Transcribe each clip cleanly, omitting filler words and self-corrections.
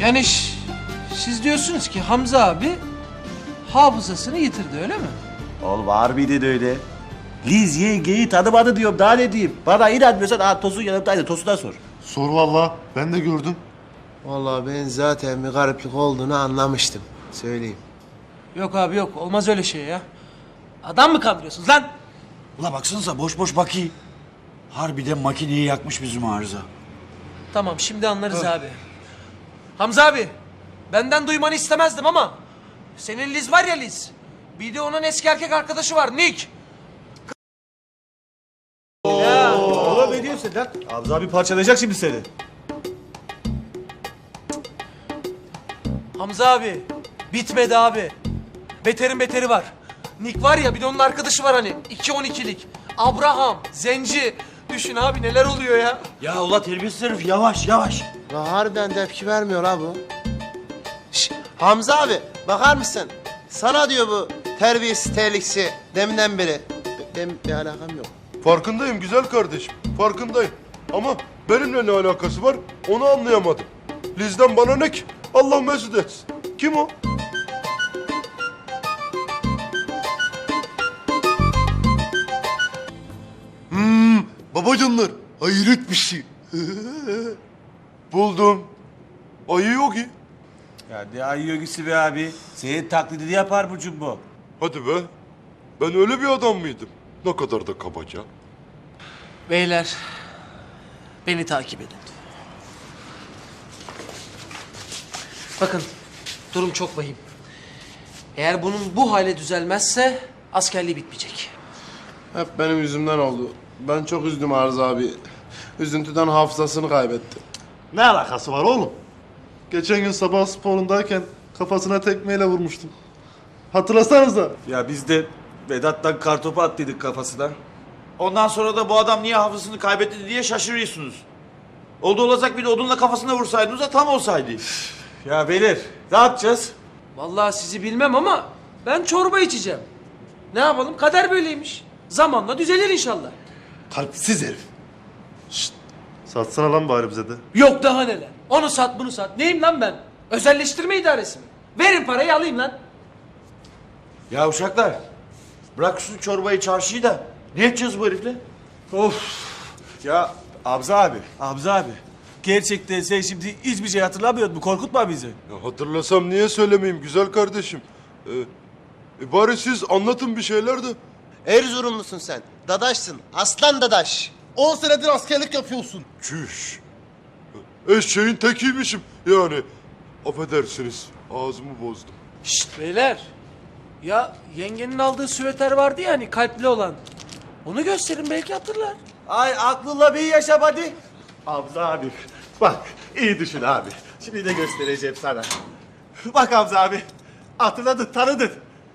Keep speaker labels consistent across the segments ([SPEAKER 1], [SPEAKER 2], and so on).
[SPEAKER 1] Yani siz diyorsunuz ki Hamza abi hafızasını yitirdi öyle mi?
[SPEAKER 2] Oğlum harbiden öyle. Liz yengeyi tanımadı diyorum, daha ne diyeyim? Bana inanmıyorsan Tosun yanımdaydı, Tosun'a sor.
[SPEAKER 3] Sor vallahi, ben de gördüm.
[SPEAKER 4] Vallahi ben zaten bir gariplik olduğunu anlamıştım. Söyleyeyim.
[SPEAKER 1] Yok abi yok, olmaz öyle şey ya. Adam mı kandırıyorsunuz lan?
[SPEAKER 5] Ula baksanıza boş boş bakayım. Harbiden makineyi yakmış bizim arıza.
[SPEAKER 1] Tamam şimdi anlarız abi. Hamza abi, benden duymanı istemezdim ama senin Liz var ya Liz. Bir de onun eski erkek arkadaşı var Nick.
[SPEAKER 2] Oğlum ne diyorsun lan? Hamza abi parçalayacak şimdi seni.
[SPEAKER 1] Hamza abi, bitmedi abi. Beterin beteri var. Nick var ya, bir de onun arkadaşı var hani. 2-12'lik. Abraham, Zenci. Düşün abi neler oluyor ya.
[SPEAKER 5] Ya ula terbiyesiz herif yavaş yavaş.
[SPEAKER 4] La harbiden tepki vermiyor ha bu. Şş, Hamza abi bakar mısın? Sana diyor bu terbiyesiz terliksi deminden beri. Benim bir alakam yok.
[SPEAKER 3] Farkındayım güzel kardeşim, farkındayım. Ama benimle ne alakası var onu anlayamadım. Liz'den bana ne ki? Allah mesut etsin. Kim o? Babacanlar, hayret bir şey. Buldum. Ayı yok ki.
[SPEAKER 2] Ya ne ayı yogisi be abi? Senin taklidini yapar bu Cumbo.
[SPEAKER 3] Hadi be. Ben öyle bir adam mıydım? Ne kadar da kabaca.
[SPEAKER 1] Beyler, beni takip edin. Bakın, durum çok vahim. Eğer bunun bu hale düzelmezse askerliği bitmeyecek.
[SPEAKER 4] Hep benim yüzümden oldu. Ben çok üzdüm Arız abi. Üzüntüden hafızasını kaybetti.
[SPEAKER 3] Ne alakası var oğlum? Geçen gün sabah sporundayken kafasına tekmeyle vurmuştum. Hatırlasanıza.
[SPEAKER 2] Ya biz de Vedat'tan kartopu attıydık kafasına.
[SPEAKER 5] Ondan sonra da bu adam niye hafızasını kaybetti diye şaşırıyorsunuz. Oldu olacak bir de odunla kafasına vursaydınız da tam olsaydı.
[SPEAKER 2] Ya beyler, ne yapacağız?
[SPEAKER 1] Vallahi sizi bilmem ama ben çorba içeceğim. Ne yapalım? Kader böyleymiş. Zamanla düzelir inşallah.
[SPEAKER 3] Kalpsiz herif. Şşt. Satsana lan bari bize de.
[SPEAKER 1] Yok daha neler. Onu sat bunu sat. Neyim lan ben? Özelleştirme idaresi mi? Verin parayı alayım lan.
[SPEAKER 5] Ya uşaklar, bırak şu çorbayı çarşıyı da ne yapacağız bu herifle?
[SPEAKER 2] Ya Hamza abi. Gerçekten sen şimdi hiçbir şey hatırlamıyor musun? Korkutma bizi.
[SPEAKER 3] Ya hatırlasam niye söylemeyeyim güzel kardeşim? Bari siz anlatın bir şeyler de.
[SPEAKER 4] Erzurumlusun sen. Dadaşsın. Aslan dadaş. 10 senedir askerlik yapıyorsun.
[SPEAKER 3] Çüş. Eşeğin tekiymişim yani. Affedersiniz ağzımı bozdum.
[SPEAKER 1] Şşt beyler. Ya yengenin aldığı süveter vardı ya hani kalpli olan. Onu gösterin belki hatırlar.
[SPEAKER 2] Ay aklınla bir yaşa hadi. Hamza abi, bak iyi düşün abi. Şimdi de göstereceğim sana. Bak Hamza abi, hatırladın, tanıdın.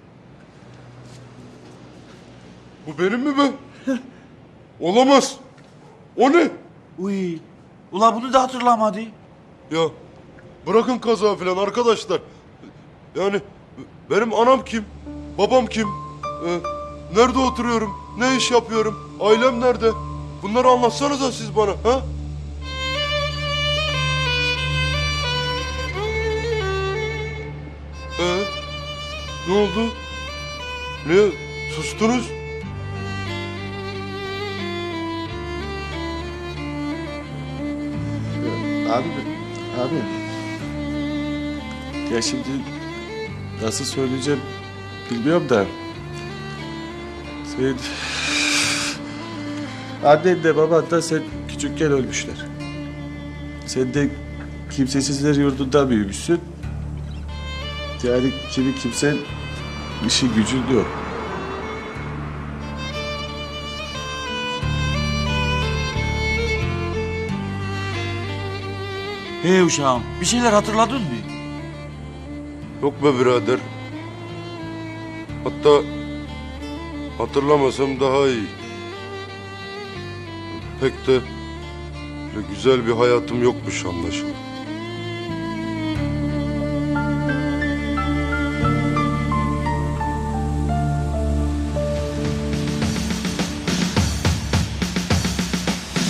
[SPEAKER 3] Bu benim mi be? Olamaz. O ne?
[SPEAKER 5] Uy, ula bunu da hatırlamadı.
[SPEAKER 3] Ya bırakın kaza falan arkadaşlar. Yani benim anam kim? Babam kim? Nerede oturuyorum? Ne iş yapıyorum? Ailem nerede? Bunları anlatsanıza siz bana. Ha? Ne oldu? Niye sustunuz?
[SPEAKER 2] Abi. Ya şimdi nasıl söyleyeceğim bilmiyorum da. Sen... Annen de baban da sen küçükken ölmüşler. Sen de kimsesizler yurdunda büyümüşsün. Yani kimi kimsen işi gücün yok.
[SPEAKER 5] Hey uşağım, bir şeyler hatırladın mı?
[SPEAKER 3] Yok be birader. Hatta hatırlamasam daha iyi. Pek de böyle güzel bir hayatım yokmuş anlaşılan.